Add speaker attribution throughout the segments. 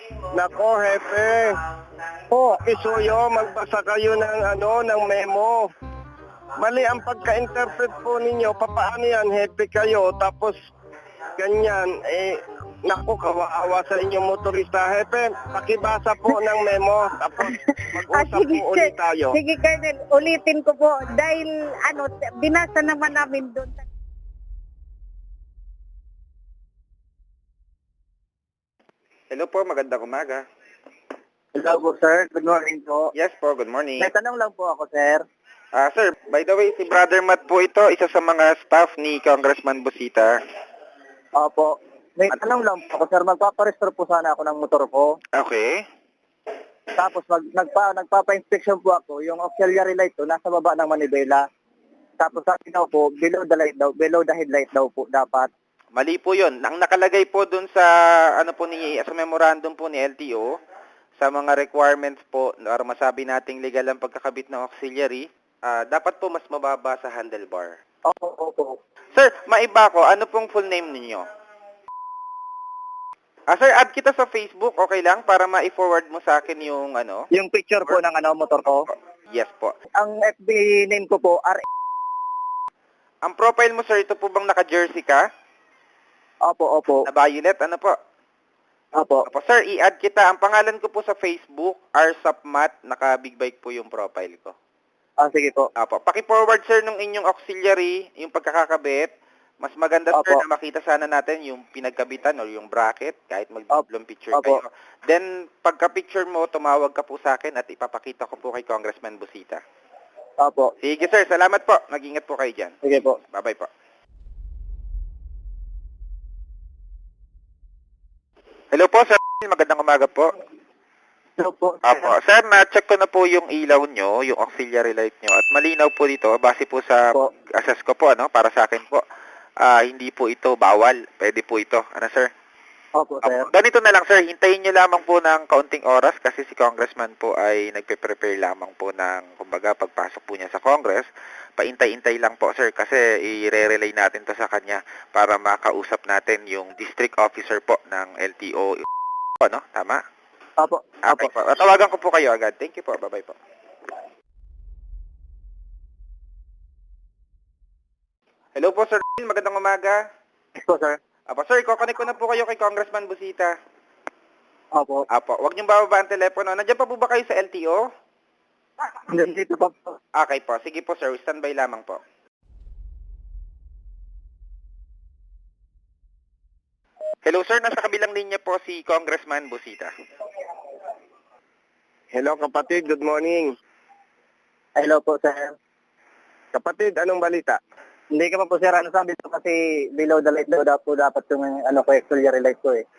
Speaker 1: Nako, Hepe.
Speaker 2: Po,
Speaker 1: Isuyo, magbasa kayo ng memo. Mali ang pagka-interpret po ninyo. Papaano yan, Hepe kayo? Tapos, ganyan, naku, kawawa sa inyong motorista. Hepe, pakibasa po ng memo. Tapos, mag-usap
Speaker 2: sige,
Speaker 1: po ulit tayo.
Speaker 2: sige, Colonel, ulitin ko po dahil binasa naman namin doon.
Speaker 3: Hello po, magandang umaga.
Speaker 4: Hello po, sir. Good morning po.
Speaker 3: Yes po, good morning.
Speaker 4: May tanong lang po ako, sir.
Speaker 3: Sir, by the way, si Brother Matt po ito, isa sa mga staff ni Congressman Busita.
Speaker 4: Opo. May tanong lang po ako, sir. Magpaparestore po sana ako ng motor ko.
Speaker 3: Okay.
Speaker 4: Tapos nagpapa-inspection po ako. Yung auxiliary light to, nasa baba ng manibela. Tapos sabi daw po, below the headlight daw po dapat.
Speaker 3: Mali po yun. Ang nakalagay po dun sa, sa memorandum po ni LTO, sa mga requirements po, para masabi nating legal ang pagkakabit ng auxiliary, dapat po mas mababa sa handlebar.
Speaker 4: Opo.
Speaker 3: Sir, maiba ko, ano pong full name ninyo? Sir, add kita sa Facebook, okay lang? Para ma-forward mo sa akin yung
Speaker 4: Yung picture po ng motor ko.
Speaker 3: Yes po.
Speaker 4: Ang FB name ko po,
Speaker 3: Ang profile mo, sir, ito po bang naka-jersey ka?
Speaker 4: Opo.
Speaker 3: Na violet, ano po?
Speaker 4: Opo.
Speaker 3: Opo, sir, i-add kita. Ang pangalan ko po sa Facebook, rsapmat, naka-big bike po yung profile ko.
Speaker 4: Sige po.
Speaker 3: Opo, paki-forward, sir, nung inyong auxiliary, yung pagkakakabit. Mas maganda, sir,
Speaker 4: Opo.
Speaker 3: na makita sana natin yung pinagkabitan or yung bracket, kahit mag-double picture
Speaker 4: Opo.
Speaker 3: kayo. Then, pagka-picture mo, tumawag ka po sa akin at ipapakita ko po kay Congressman Busita.
Speaker 4: Opo.
Speaker 3: Sige, sir, salamat po. Mag-ingat po kayo dyan.
Speaker 4: Sige po.
Speaker 3: Bye-bye po. Hello po, sir. Magandang umaga po.
Speaker 4: Hello po.
Speaker 3: Apo. Sir, na-check ko na po yung ilaw nyo, yung auxiliary light nyo, at malinaw po dito, base po sa
Speaker 4: Opo.
Speaker 3: assess ko po, para sa akin po, hindi po ito bawal. Pwede po ito. Ano, sir?
Speaker 4: Opo, sir.
Speaker 3: Ganito na lang, sir. Hintayin nyo lamang po ng kaunting oras kasi si Congressman po ay nagpe-prepare lamang po ng, kumbaga, pagpasok po niya sa Congress. Paintay-intay lang po, sir, kasi i-relay natin to sa kanya para makausap natin yung district officer po ng LTO. Ano? Tama?
Speaker 4: Opo.
Speaker 3: Okay po. Tawagan ko po kayo agad. Thank you po. Bye-bye po. Hello po, sir. Magandang umaga.
Speaker 4: Yes po, sir.
Speaker 3: Apo, sir, kukonek ko na po kayo kay Congressman Busita.
Speaker 4: Opo.
Speaker 3: Apo, wag niyong bababa ang telepono. Nandiyan pa po ba kayo sa LTO?
Speaker 4: Dito po.
Speaker 3: Okay po. Sige po, sir. Standby lamang po. Hello, sir. Nasa kabilang linya po si Congressman Busita.
Speaker 1: Hello, kapatid. Good morning.
Speaker 4: Hello po, sir.
Speaker 1: Kapatid, anong balita?
Speaker 4: Hindi ka pa po, sir. Ano sabi ko kasi below the light daw po dapat yung auxiliary light ko eh.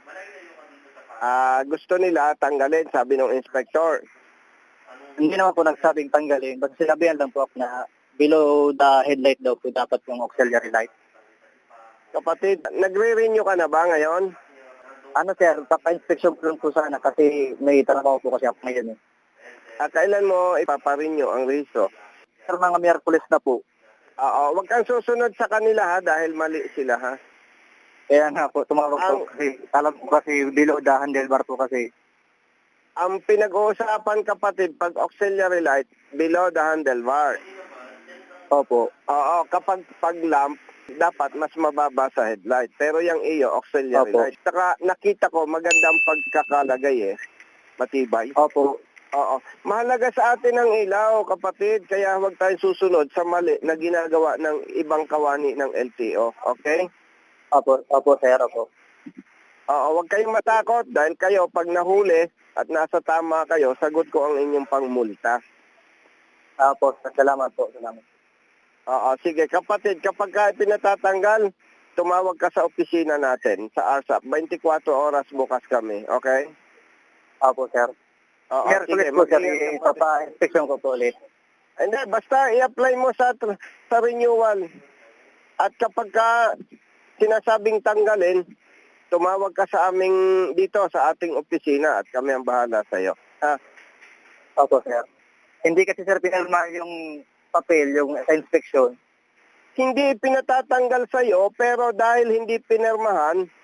Speaker 1: Gusto nila tanggalin, sabi ng inspector.
Speaker 4: Hindi naman po nagsabing tanggalin. Basta sinabihan lang po ako na below the headlight daw po dapat yung auxiliary light.
Speaker 1: Kapatid, nagre-renew ka na ba ngayon?
Speaker 4: Ano, sir, papa-inspection ko lang po sana kasi may trabaho po kasi ako ngayon eh.
Speaker 1: Kailan mo ipaparenew ang rehisto?
Speaker 4: Sir, mga Miyerkules na po.
Speaker 1: Oo, wag kang susunod sa kanila ha, dahil mali sila ha.
Speaker 4: Kaya nga po, tumawag po kasi alam ko kasi below the handlebar po kasi.
Speaker 1: Ang pinag-uusapan, kapatid, pag auxiliary light, below the handlebar.
Speaker 4: Opo.
Speaker 1: Oo, kapag pag-lamp, dapat mas mababa sa headlight. Pero yung iyo, auxiliary
Speaker 4: Opo.
Speaker 1: light. Saka nakita ko, magandang pagkakalagay eh. Matibay.
Speaker 4: Opo.
Speaker 1: Oo. Mahalaga sa atin ang ilaw, kapatid. Kaya huwag tayong susunod sa mali na ginagawa ng ibang kawani ng LTO. Okay?
Speaker 4: Opo, sir, opo.
Speaker 1: Oo, huwag kayong matakot dahil kayo, pag nahuli at nasa tama kayo, sagot ko ang inyong pangmulta.
Speaker 4: Opo, salamat po, salamat.
Speaker 1: Oo, sige kapatid, kapag ka pinatatanggal, tumawag ka sa opisina natin, sa ARSAP. 24 oras bukas kami, okay?
Speaker 4: Opo, sir.
Speaker 1: Oo,
Speaker 4: Miyerkules po, sir,
Speaker 1: mag-ingat ka, kapatid.
Speaker 4: papa-inspection ko po ulit.
Speaker 1: Hindi, basta i-apply mo sa renewal. At kapag ka sinasabing tanggalin, tumawag ka sa aming dito, sa ating opisina at kami ang bahala sa iyo. Ha?
Speaker 4: Opo, sir. Hindi kasi, sir, pinalma yung papel, yung inspection.
Speaker 1: Hindi pinatatanggal sa iyo, pero dahil hindi pinirmahan,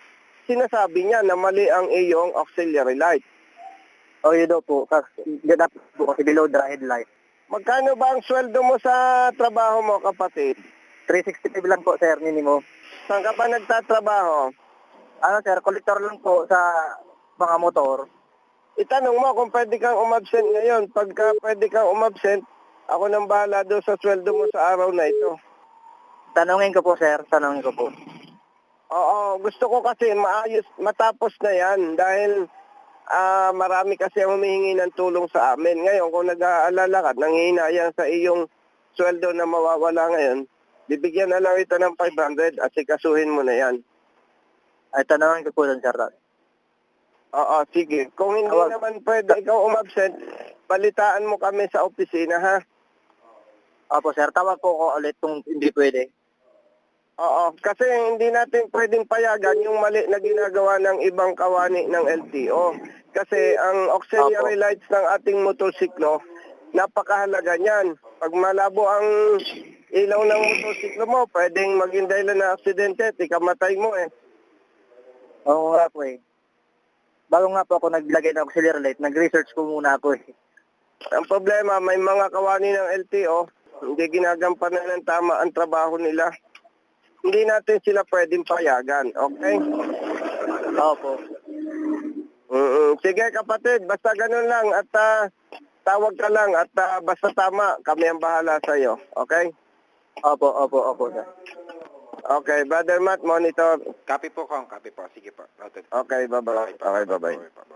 Speaker 1: sinasabi niya na mali ang iyong auxiliary light.
Speaker 4: O yun daw po, dapat po kasi below the headlight.
Speaker 1: Magkano ba ang sweldo mo sa trabaho mo, kapatid?
Speaker 4: 365 lang po, sir, minimum.
Speaker 1: Saan ka ba nagtatrabaho?
Speaker 4: Ano, sir, collector lang po sa mga motor.
Speaker 1: Itanong mo kung pwede kang umabsent ngayon. Pagka pwede kang umabsent, ako nang bahala doon sa sweldo mo sa araw na ito.
Speaker 4: Tanungin ko po, sir, tanungin ko po.
Speaker 1: Oo, gusto ko kasi matapos na yan dahil marami kasi ang humihingi ng tulong sa amin. Ngayon, kung nag-aalala ka, nanghihinayang sa iyong sweldo na mawawala ngayon, bibigyan na lang ito ng 500 at sikasuhin mo na yan.
Speaker 4: Ay, tanungin ko po dun, sir.
Speaker 1: Oo, sige. Kung hindi naman pwede ikaw umabsent, balitaan mo kami sa opisina, ha?
Speaker 4: Opo, sir, tawag po ko ulit kung hindi pwede.
Speaker 1: Oo, kasi hindi natin pwedeng payagan yung mali na ginagawa ng ibang kawani ng LTO. Kasi ang auxiliary lights ng ating motorsiklo, napakahalaga niyan. Pag malabo ang ilaw ng motorsiklo mo, pwedeng maging dahilan na aksidente, ikamatay mo eh.
Speaker 4: Oo nga po eh. Bago nga po ako naglagay ng auxiliary light, nag-research ko muna ako eh.
Speaker 1: Ang problema, may mga kawani ng LTO, hindi ginagampanan ng tama ang trabaho nila. Hindi natin sila pwedeng payagan, okay?
Speaker 4: Opo.
Speaker 1: Sige kapatid, basta ganun lang at tawag ka lang at basta tama, kami ang bahala sa iyo, okay?
Speaker 4: Opo, sir.
Speaker 1: Okay, Brother Matt, monitor.
Speaker 3: Copy po, Kong. Copy po. Sige po. Noted.
Speaker 1: Okay, bye-bye. Okay, bye-bye.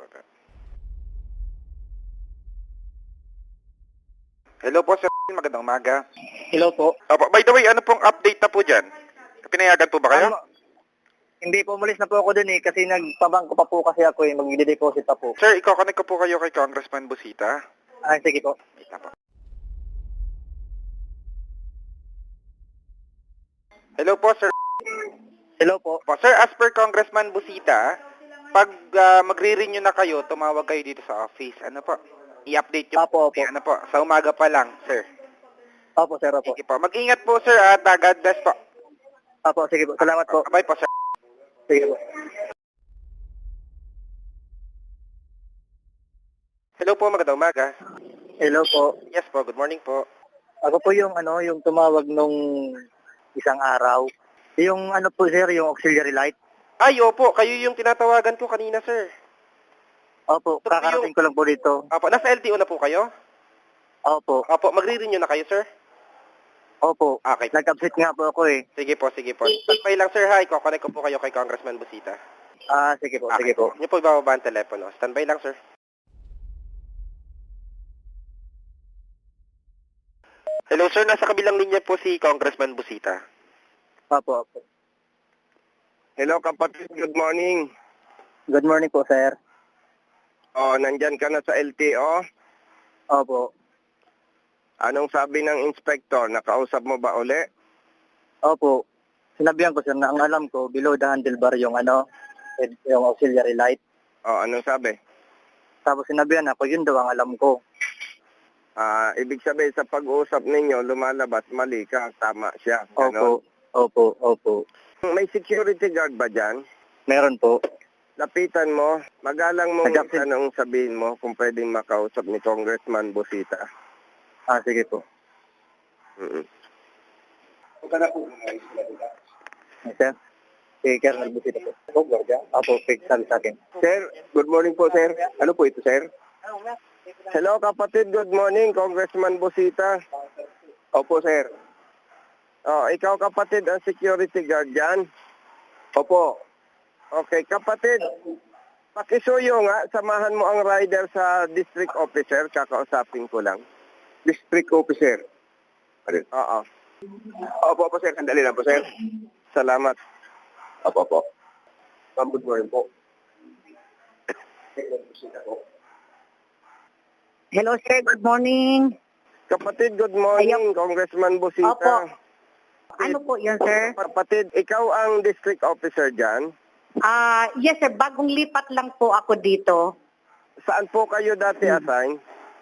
Speaker 3: Hello po, sir. Magandang umaga.
Speaker 4: Hello po.
Speaker 3: Opo, by the way, ano pong update na po dyan? Pinayagan po ba kayo?
Speaker 4: Hindi po, umalis na po ako dun eh, kasi nagpabangko pa po kasi ako eh, mag-deposit pa po.
Speaker 3: Sir, iko-connect ko po kayo kay Congressman Busita.
Speaker 4: Ah, sige po.
Speaker 3: Wait na po. Hello po, sir.
Speaker 4: Hello po.
Speaker 3: Sir, as per Congressman Busita, pag magre-renew na kayo, tumawag kayo dito sa office. Ano po? I-update nyo
Speaker 4: Opo.
Speaker 3: Ano po? Sa umaga pa lang, sir.
Speaker 4: Opo, sir, opo.
Speaker 3: Sige po. Mag-ingat po, sir, at God bless po.
Speaker 4: Opo, sige po. Salamat po.
Speaker 3: Bye po, sir.
Speaker 4: Sige po.
Speaker 3: Hello po, magandang umaga.
Speaker 4: Hello po.
Speaker 3: Yes po, good morning po.
Speaker 4: Ako po yung yung tumawag nung isang araw. Yung po, sir, yung auxiliary light.
Speaker 3: Ay, opo, kayo yung tinatawagan ko kanina, sir.
Speaker 4: Opo, kakarating ko lang po dito.
Speaker 3: Opo, nasa LTO na po kayo?
Speaker 4: Opo.
Speaker 3: Opo, magre-renew na kayo, sir?
Speaker 4: Opo.
Speaker 3: Okay.
Speaker 4: Nag-upset nga po ako eh.
Speaker 3: Sige po, sige po. Standby lang, sir, ha? Iko-connect ko po kayo kay Congressman Busita.
Speaker 4: Ah, sige po, sige po.
Speaker 3: Niyo po ibababa ang telepono. Standby lang, sir. Hello, sir. Nasa kabilang linya po si Congressman Busita.
Speaker 4: Opo.
Speaker 1: Hello kapatid, good morning.
Speaker 4: Good morning po, sir.
Speaker 1: Oh, nandyan ka na sa LTO?
Speaker 4: Opo.
Speaker 1: Anong sabi ng inspector? Nakausap mo ba uli?
Speaker 4: Opo. Sinabihan ko, sir, na ang alam ko, below the handlebar yung yung auxiliary light.
Speaker 1: Oh, anong sabi?
Speaker 4: Tapos sinabihan ako, yun daw ang alam ko.
Speaker 1: Ibig sabihin sa pag-uusap ninyo, lumalabas, mali ka, tama siya. Ganon.
Speaker 4: Opo.
Speaker 1: May security guard ba dyan?
Speaker 4: Meron po.
Speaker 1: Lapitan mo, magalang mo
Speaker 4: Nag-upset.
Speaker 1: tanong sabihin mo kung pwedeng makausap ni Congressman Busita.
Speaker 4: Ah, sige po. Sir? Si Colonel Busita po. Opo, Guardia. Opo, sabi sa akin.
Speaker 1: Sir, good morning po, sir. Ano po ito, sir? Hello, kapatid. Good morning, Congressman Busita.
Speaker 4: Opo, sir.
Speaker 1: Oh, ikaw, kapatid, ang security guard dyan?
Speaker 4: Opo.
Speaker 1: Okay, kapatid. Pakisuyo nga, samahan mo ang rider sa district officer. Kakausapin ko lang.
Speaker 4: District officer.
Speaker 1: Oo.
Speaker 4: Opo, sir. Sandali lang po, sir.
Speaker 1: Salamat.
Speaker 4: Opo. Good morning po.
Speaker 2: Hello, sir. Good morning.
Speaker 1: Kapatid, good morning, Congressman Busita.
Speaker 2: Opo. Ano po yun, sir?
Speaker 1: Kapatid, ikaw ang district officer dyan.
Speaker 2: Yes, sir. Bagong lipat lang po ako dito.
Speaker 1: Saan po kayo dati assign?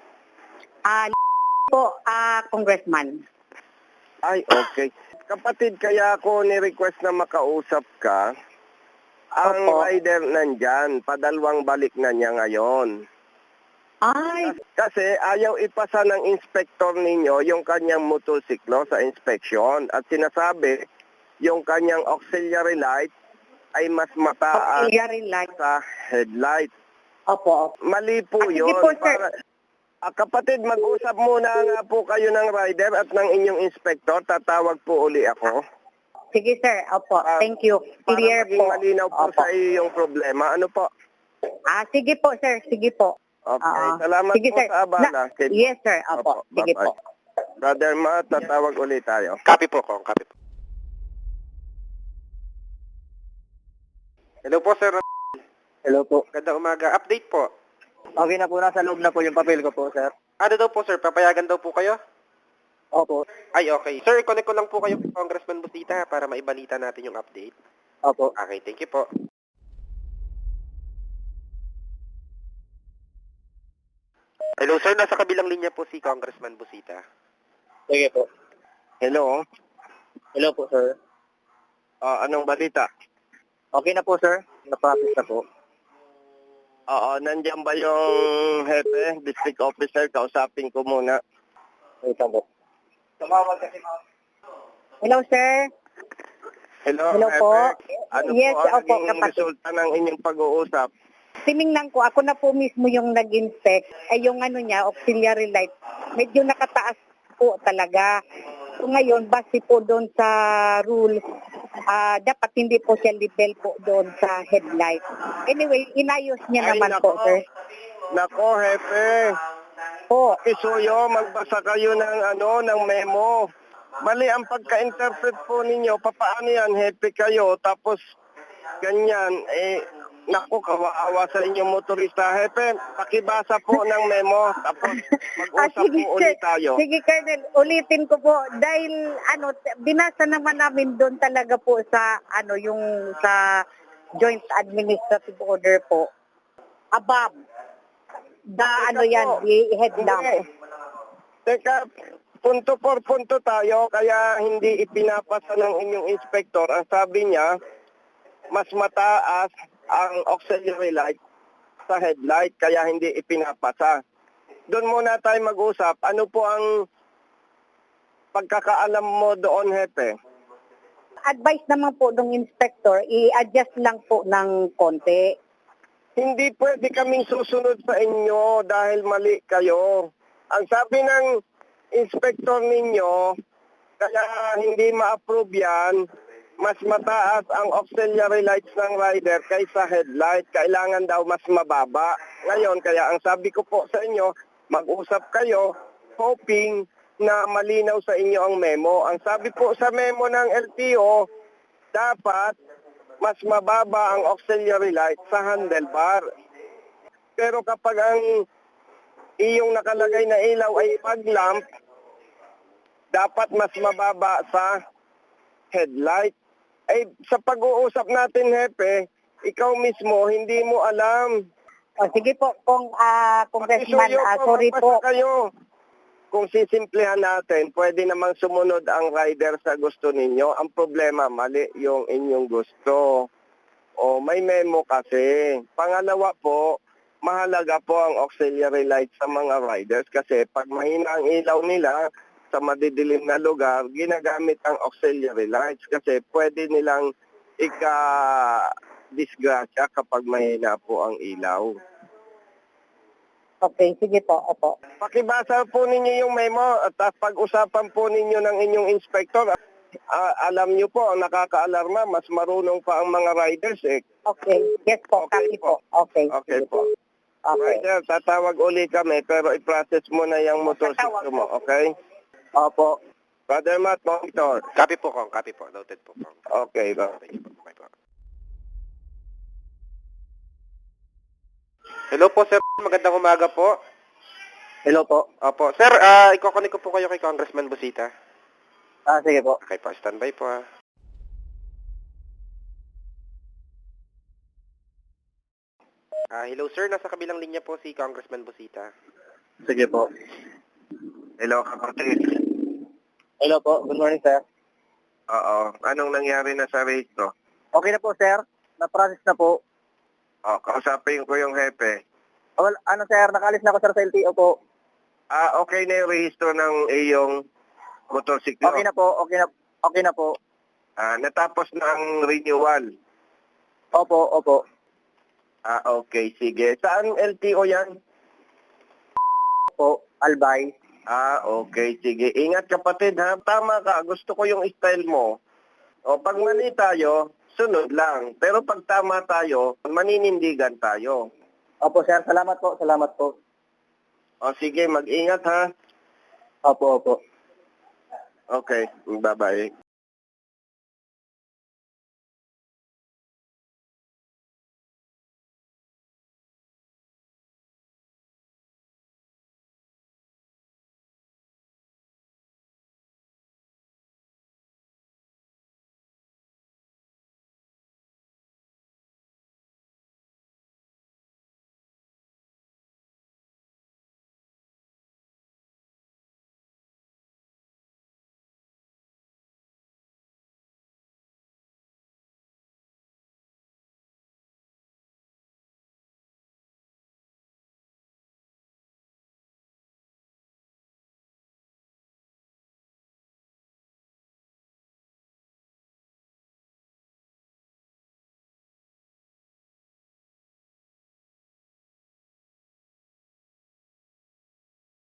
Speaker 2: Congressman.
Speaker 1: Ay, okay. Kapatid, kaya ako ni-request na makausap ka. Ang
Speaker 2: Opo.
Speaker 1: rider nandyan, padalawang balik na niya ngayon.
Speaker 2: Ay,
Speaker 1: Kasi ayaw ipasa ng inspector ninyo yung kanyang motorsiklo sa inspection at sinasabi yung kanyang auxiliary light ay mas mataas
Speaker 2: auxiliary light.
Speaker 1: sa headlight.
Speaker 2: Opo.
Speaker 1: Mali po
Speaker 2: Sige
Speaker 1: yun.
Speaker 2: po, sir.
Speaker 1: Kapatid, mag-usap muna nga po kayo ng rider at ng inyong inspector. Tatawag po uli ako.
Speaker 2: Sige, sir. Opo. Thank you. Clear
Speaker 1: Para maging
Speaker 2: po.
Speaker 1: malinaw po
Speaker 2: Opo.
Speaker 1: sa iyo yung problema. Ano po?
Speaker 2: Sige po, sir. Sige po.
Speaker 1: Okay.
Speaker 2: Oo.
Speaker 1: Salamat
Speaker 2: Sige,
Speaker 1: po
Speaker 2: sir.
Speaker 1: sa abala.
Speaker 2: Yes, sir. Opo. Sige
Speaker 1: bye-bye.
Speaker 2: po.
Speaker 1: Brother Matt, tatawag ulit tayo.
Speaker 3: Copy po, Kong. Copy po. Hello po, sir.
Speaker 4: Hello po.
Speaker 3: Ganda umaga. Update po.
Speaker 4: Okay na po, nasa loob na po yung papel ko po, sir.
Speaker 3: Ano daw po, sir? Papayagan daw po kayo?
Speaker 4: Opo.
Speaker 3: Ay, okay. Sir, connect ko lang po kayo kay Congressman Busita para maibalita natin yung update.
Speaker 4: Opo.
Speaker 3: Okay, thank you po. Hello, sir. Nasa kabilang linya po si Congressman Busita.
Speaker 4: Sige po.
Speaker 1: Hello?
Speaker 4: Hello po, sir.
Speaker 1: Anong balita?
Speaker 4: Okay na po, sir. Na-process na po.
Speaker 1: Oo, nandiyan ba yung hepe, district officer? Kausapin ko muna.
Speaker 4: Wait lang po. Tumawag kasi mo.
Speaker 2: Hello, sir.
Speaker 1: Hello,
Speaker 2: Hello
Speaker 1: hepe.
Speaker 2: po.
Speaker 1: Ano
Speaker 2: Yes,
Speaker 1: po ang
Speaker 2: opo,
Speaker 1: naging
Speaker 2: kapatid.
Speaker 1: resulta ng inyong pag-uusap?
Speaker 2: Tiningnan ko, ako na po mismo yung nag-inspect. Ay yung ano niya, auxiliary light. Medyo nakataas po talaga. So ngayon, base po doon sa rule, dapat hindi po siya level po doon sa headlight. Anyway, inayos niya
Speaker 1: Ay,
Speaker 2: naman
Speaker 1: nako.
Speaker 2: po, sir.
Speaker 1: Nako, hepe.
Speaker 2: Po.
Speaker 1: Isuyo, magbasa kayo ng memo. Mali ang pagka-interpret po ninyo. Papaano yan, hepe kayo, tapos ganyan, naku, kawawa sa inyong motorista. Hepe, pakibasa po ng memo, tapos mag-usap
Speaker 2: Sige,
Speaker 1: po ulit tayo.
Speaker 2: Sige, Colonel, ulitin ko po dahil binasa naman namin doon talaga po sa yung sa Joint Administrative Order po. Above the the headlamp.
Speaker 1: Hindi. Teka, punto por punto tayo, kaya hindi ipinapasa ng inyong inspector. Ang sabi niya, mas mataas ang auxiliary light sa headlight, kaya hindi ipinapasa. Doon muna tayo mag-usap. Ano po ang pagkakaalam mo doon, hepe?
Speaker 2: Advice naman po ng inspector, i-adjust lang po ng konti.
Speaker 1: Hindi pwede kaming susunod sa inyo dahil mali kayo. Ang sabi ng inspector ninyo, kaya hindi ma-approve yan, mas mataas ang auxiliary lights ng rider kaysa headlight. Kailangan daw mas mababa. Ngayon, kaya ang sabi ko po sa inyo, mag-usap kayo, hoping na malinaw sa inyo ang memo. Ang sabi po sa memo ng LTO, dapat mas mababa ang auxiliary light sa handlebar. Pero kapag ang iyong nakalagay na ilaw ay fog lamp, dapat mas mababa sa headlight. Ay, sa pag-uusap natin, hepe, ikaw mismo, hindi mo alam.
Speaker 2: O, sige po, Congressman,
Speaker 1: Isuyo
Speaker 2: sorry
Speaker 1: magbasa
Speaker 2: po.
Speaker 1: kayo. Kung sisimplihan natin, pwede namang sumunod ang rider sa gusto ninyo. Ang problema, mali yung inyong gusto. O, may memo kasi. Pangalawa po, mahalaga po ang auxiliary light sa mga riders kasi pag mahina ang ilaw nila sa madidilim na lugar, ginagamit ang auxiliary lights kasi pwede nilang ika-disgrasya kapag mahina po ang ilaw.
Speaker 2: Okay, sige po, opo.
Speaker 1: Pakibasa po ninyo yung memo at pag-usapan po ninyo ng inyong inspector. Alam nyo po, ang nakaka-alarma, mas marunong pa ang mga riders eh.
Speaker 2: Okay, yes po,
Speaker 1: Okay
Speaker 2: copy
Speaker 1: po.
Speaker 2: po. Okay,
Speaker 1: Okay
Speaker 2: sige
Speaker 1: po.
Speaker 2: Okay.
Speaker 1: Rider, tatawag uli kami pero i-process mo na yung motorsiklo mo, okay?
Speaker 4: Opo.
Speaker 1: Brother Matt, monitor.
Speaker 3: Copy po, Kong. Copy po. Noted po, Kong.
Speaker 1: Okay, ba?
Speaker 3: Thank you po. Bye po. Hello po, sir. Magandang umaga po.
Speaker 4: Hello po.
Speaker 3: Opo. Sir, iko-connect ko po kayo kay Congressman Busita.
Speaker 4: Sige po.
Speaker 3: Okay po, standby po. Hello, sir. Nasa kabilang linya po si Congressman Busita.
Speaker 4: Sige po.
Speaker 1: Hello, kapatid.
Speaker 4: Hello po. Good morning, sir.
Speaker 1: Oo. Anong nangyari na sa race, no?
Speaker 4: Okay na po, sir. Na-process na po.
Speaker 1: O, kausapin ko yung hepe.
Speaker 4: Well, ano sir, nakalis na ako sir sa LTO po.
Speaker 1: Okay na yung rehistro ng iyong motorsiklo.
Speaker 4: Okay na po, okay na po.
Speaker 1: Natapos na ang renewal.
Speaker 4: Opo.
Speaker 1: Okay, sige. Saan LTO yan?
Speaker 4: Po, Albay.
Speaker 1: Okay, sige. Ingat kapatid ha. Tama ka, gusto ko yung style mo. O, pag mali tayo, sunod lang. Pero pag tama tayo, maninindigan tayo.
Speaker 4: Opo sir, salamat po.
Speaker 1: O, sige, mag-ingat ha.
Speaker 4: Opo.
Speaker 1: Okay, bye-bye.